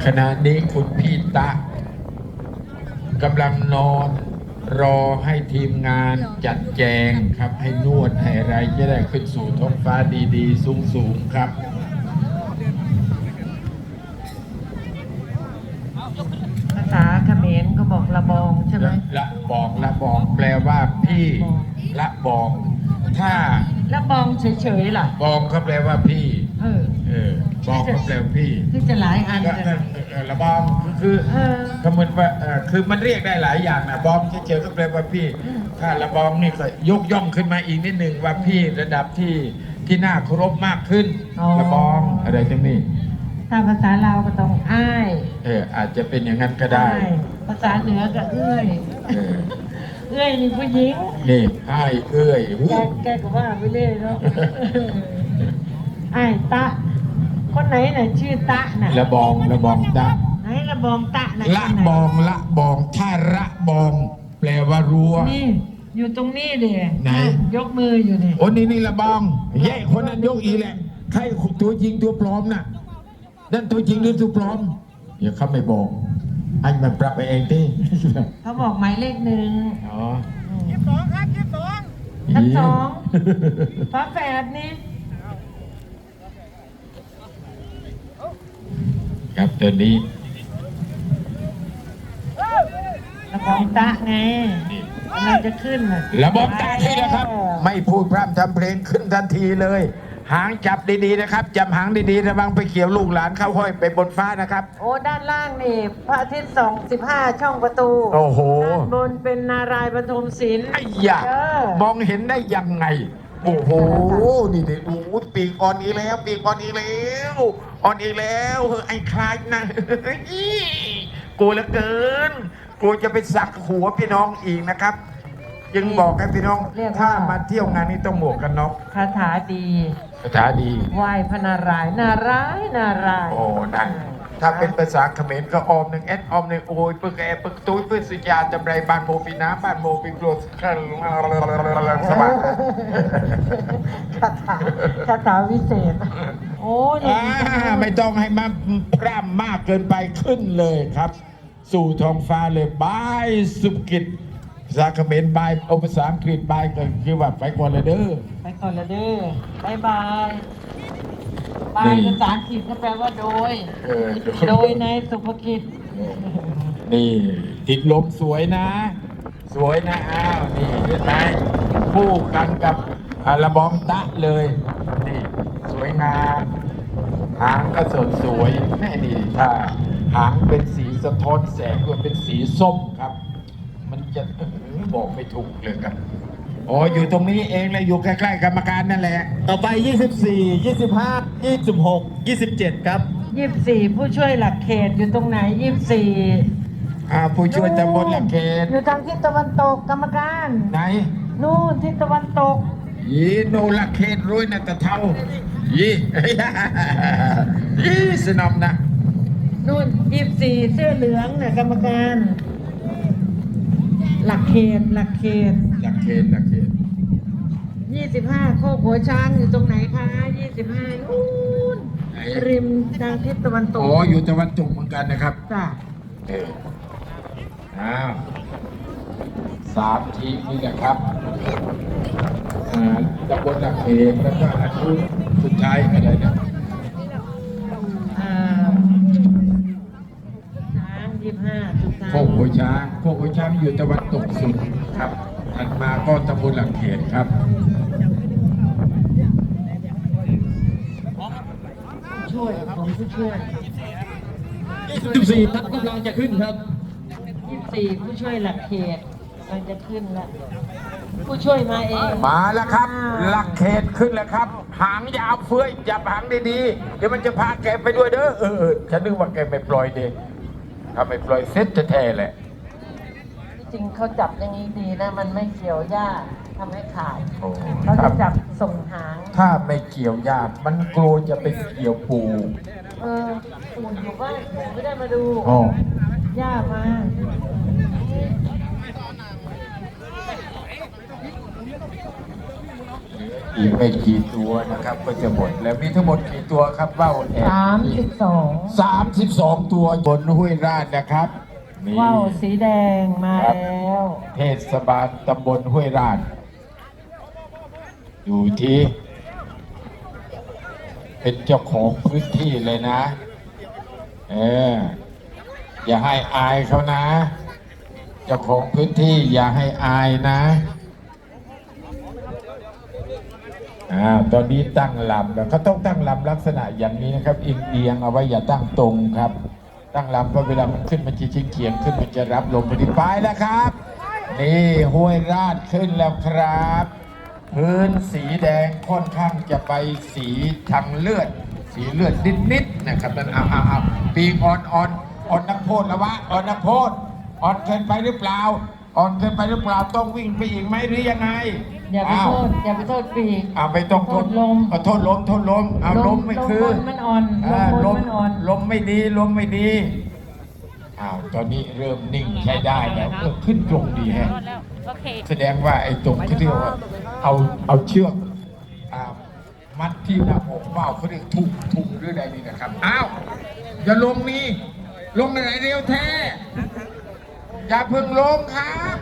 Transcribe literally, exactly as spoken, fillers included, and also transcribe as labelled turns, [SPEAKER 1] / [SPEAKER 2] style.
[SPEAKER 1] ขณะนี้คุณพี่ตะกำลังนอนรอให้ทีมงานจัดแจงครับให้นวดให้อะไรจะได้ขึ้นสู่ท้องฟ้าดีๆสูงๆครับ
[SPEAKER 2] ภาษาเขมรก็บอกละบองใช่ไหม
[SPEAKER 1] ละบองละบองแปลว่าพี่ละบองถ้า
[SPEAKER 2] ละบองเฉยๆล่ะ
[SPEAKER 1] บองเขาแปลว่าพี่
[SPEAKER 2] เออ
[SPEAKER 1] เออบองเขาแปลว่าพี่
[SPEAKER 2] ที่จะหลายอัน
[SPEAKER 1] ก็
[SPEAKER 2] กัน
[SPEAKER 1] เออละบองคือ
[SPEAKER 2] เออ
[SPEAKER 1] คำมันว่าเออคือมันเรียกได้หลายอย่างนะบองเฉยๆก็แปลว่าพี่ถ้าละบองนี่ก็ยกย่องขึ้นมาอีกนิดหนึ่งว่าพี่ระดับที่ที่น่าเคารพมากขึ้นละบองอะไรทั้งนี้
[SPEAKER 2] ถ้าภาษาลาวก็ต้องอ้าย
[SPEAKER 1] เอออาจจะเป็นอย่างนั้นก็ได้
[SPEAKER 2] อ้ายภาษาเหนือก็เอื้อย
[SPEAKER 1] เออ
[SPEAKER 2] เอื้อยนี่ผู้หญิง
[SPEAKER 1] นี่ให้เอ้ยหู
[SPEAKER 2] แกแกก็ว่าไปเรื่อยเนาะอ้ายตะ คนไหนน่ะชื่อตะน่ะ
[SPEAKER 1] ละบองละบองตะ
[SPEAKER 2] ไหนละบองตะน่ะ
[SPEAKER 1] ละ
[SPEAKER 2] คนไหน
[SPEAKER 1] บองละบองถ้าระบอง แปลว่ารั้ว
[SPEAKER 2] นี่ อยู่ตรงนี้เด้
[SPEAKER 1] ไหน
[SPEAKER 2] ยกมืออยู่นี่
[SPEAKER 1] โอ้นี่นี่ละบองแย่คนนั้นยกอีกแหละใครตัวจริงตัวปลอมน่ะนั่นตัวจริงหรือตัวปลอมอย่าเขาไม่บอกอันมันปรับไปเองที่
[SPEAKER 2] เขาบอกหมายเลขหนึ่ง
[SPEAKER 1] อ๋อ
[SPEAKER 2] ยี่สิบสองครับยี่สิบสองทั้งสองฝาแฝดนี่
[SPEAKER 1] ครับตัวนี้
[SPEAKER 2] ละบองตะไงกำลังจะขึ้นน่ะ
[SPEAKER 1] ระบบตาที่นะครับ ไม่พูดพร่ำทำเพลงขึ้นทันทีเลย หางจับดีๆนะครับจับหางดีๆระวังไปเขียวลูกหลานเข้าห้อยไปบนฟ้านะครับ
[SPEAKER 2] โอ้ด้านล่างนี่พระอาทิตย์ส่องสิบห้าช่องประตู
[SPEAKER 1] โอ้โห
[SPEAKER 2] ด้านบนเป็นนารายณ์ปฐมศิลป์
[SPEAKER 1] ไอ้ยะ
[SPEAKER 2] เออ
[SPEAKER 1] มองเห็นได้ยังไง โอ้โห นี่เด็กโอ้โหปีกอ่อนอีกแล้ว ปีกอ่อนอีกแล้วอ่อนอีกแล้วเฮ้ยไอ้คลายนะเฮ้ยกลัวเหลือเกินกลัวจะไปสักหัวพี่น้องอีกนะครับ ยังบอกให้พี่น้องถ้ามาเที่ยวงานนี้ต้องหมวกกันน็อก
[SPEAKER 2] คาถาดี
[SPEAKER 1] ภาษาดี
[SPEAKER 2] ไหว้พระนารายณ์นารายณ์นารายณ์
[SPEAKER 1] โอ้นั่นถ้าเป็นภาษาเขมรก็ออมหนึ่งเอสออมหนึ่งโอยปึกแอปึกตุ้ยปึกสุญาจำไรบ้านโมปีน้ำบ้านโมปีโกรธสบาย
[SPEAKER 2] คาถาคาถาวิเศษ โอ้ย
[SPEAKER 1] อ่าไม่ต้องให้มาพร่ำมากเกินไปขึ้นเลยครับ สู่ท้องฟ้าเลยบายสุกิจภาษาเขมรบายเอาภาษาอังกฤษบายก็คือว่าไปก่อนเลยเด้อ
[SPEAKER 2] ไปก่อนละเด้อบายบายบาย
[SPEAKER 1] นี่
[SPEAKER 2] ภาษาอังกฤษก็แปลว่าโดย
[SPEAKER 1] เออ
[SPEAKER 2] โดยในสุภกิจ
[SPEAKER 1] นี่ติดลมสวยนะ สวยนะอ้าวนี่เห็นไหมคู่กันกับอาระบองตะเลยนี่สวยงามหางก็สดสวยแม่นี่ถ้าหางเป็นสีสะท้อนแสงก็เป็นสีส้มครับ มันจะบอกไม่ถูกเลยครับอ๋ออยู่ตรงนี้เองเลยอยู่ใกล้ๆกรรมการนั่นแหละ
[SPEAKER 3] ต่อไป ยี่สิบสี่ ยี่สิบห้า ยี่สิบหก ยี่สิบเจ็ด ครับ
[SPEAKER 2] ยี่สิบสี่ผู้ช่วยหลักเขตอยู่ตรงไหนยี่สิบสี่
[SPEAKER 1] อ่าผู้ช่วยตำบลหลักเขต
[SPEAKER 2] อยู่ทางทิศตะวันตกกรรมการ
[SPEAKER 1] ไหน
[SPEAKER 2] นู่นทิศตะวันตก
[SPEAKER 1] ยีโนหลักเขตรุ่ยนะตะเท่ายียีสนอมนะ
[SPEAKER 2] นู่นยี่สิบสี่เสื้อเหลืองน่ะกรรมการ หลักเขตหลักเขต
[SPEAKER 1] หลักเขตหลักเขต
[SPEAKER 2] ยี่สิบห้าโคกหัวช้างอยู่ตรงไหนคะยี่สิบห้านู่น
[SPEAKER 1] ไหน
[SPEAKER 2] ริมทางทิศตะวันตก
[SPEAKER 1] อ๋ออยู่ตะวันตกเหมือนกันนะครับ
[SPEAKER 2] จ้ะ
[SPEAKER 1] เอออ้าวสามทีมนี่นะครับอ่าตำบลหลักเขตแล้วก็อันนู้นสุดท้ายอะไรนะ
[SPEAKER 2] อ่าช้างยี่สิบห้าสุดท้าย
[SPEAKER 1] โคกหัวช้างโคกหัวช้างอยู่ตะวันตกสุดครับถัดมาก็ตำบลหลักเขตครับ
[SPEAKER 2] ช่วยผมผู้ช่วย
[SPEAKER 3] ยี่สิบสี่ ครับกำลังจะขึ้นครับ
[SPEAKER 2] ยี่สิบสี่ผู้ช่วยหลักเขตกำลังจะขึ้นแล้วผู้ช่วยมาเอง
[SPEAKER 1] มาแล้วครับ หลักเขตขึ้นแล้วครับ หางยาวเฟ้ยจับหางดีๆเดี๋ยวมันจะพาแกไปด้วยเด้อเออเออฉันนึกว่าแกไม่ปล่อยเด็กถ้าไม่ปล่อยเซ็ตแท้ๆแหละ
[SPEAKER 2] จริงเขาจับอย่างนี้ดีนะ มันไม่เกี่ยวหญ้าทำให้ขาด
[SPEAKER 1] โอ้
[SPEAKER 2] เขา
[SPEAKER 1] ครั
[SPEAKER 2] จะ
[SPEAKER 1] บ
[SPEAKER 2] จับส่งหาง
[SPEAKER 1] ถ้าไม่เกี่ยวญาติมันกลัวจะไปเกี่ยวปู
[SPEAKER 2] เออปู่อยู่บ้านปู่ไม่ได้มาดู
[SPEAKER 1] อ๋อ
[SPEAKER 2] ย่ามา
[SPEAKER 1] อีกไม่กี่ตัวนะครับ ก็จะหมดแล้วมีทั้งหมดกี่ตัวครับว่าวแอ
[SPEAKER 2] สามสิบสอง
[SPEAKER 1] สามสิบสองตัวบนห้วยราชนะครับนี่
[SPEAKER 2] ว่าวสีแดงมา
[SPEAKER 1] ครับ
[SPEAKER 2] แล้ว
[SPEAKER 1] เทศบาลตำบลห้วยราชอยู่ที่ เป็นเจ้าของพื้นที่เลยนะ เออ อย่าให้อายเขานะ เจ้าของพื้นที่อย่าให้อายนะอ่าตอนนี้ตั้งลำแล้วเขาต้องตั้งลำลักษณะอย่างนี้นะครับเอียงเอียงเอาไว้อย่าตั้งตรงครับ ตั้งลำเพราะเวลามันขึ้นมันจะชิงเขียงขึ้นมันจะรับลมพอดีไปแล้วครับ นี่ห้วยราชขึ้นแล้วครับ พื้นสีแดงค่อนข้างจะไปสีทางเลือด สีเลือดนิดๆนะครับนั่นเอาเอาเอาปีกอ่อนอ่อนอ่อนนักโทษแล้ววะอ่อนนักโทษอ่อนเกินไปหรือเปล่าอ่อนเกินไปหรือเปล่าต้องวิ่งไปอีกไหมหรือยังไง
[SPEAKER 2] อย่าไปโทษอย่าไปโทษปีก
[SPEAKER 1] เอาไปต้องโทษ
[SPEAKER 2] โทษลม
[SPEAKER 1] เอาโทษลมโทษลมเอาลมไม่คือ
[SPEAKER 2] ลมบนมันอ่อน
[SPEAKER 1] อ่า
[SPEAKER 2] ล
[SPEAKER 1] ล
[SPEAKER 2] ม
[SPEAKER 1] ม
[SPEAKER 2] บนมันอ่อน
[SPEAKER 1] ลมไม่ดีลมไม่ดีอ้าวตอนนี้เริ่มนิ่งใช้ได้แล้วเออขึ้นตรงดีแฮะ
[SPEAKER 4] โอเค
[SPEAKER 1] แสดงว่าไอ้ตรงที่เรียกว่าเอาเอาเชือกอ่ามัดที่หน้าอกเบ้าเขาเรียกทุ่มทุ่มหรืออะไรนี่นะครับอ้าวอย่าลงนี่ลงไหนเร็วแท้อย่าเพิ่งลงครับ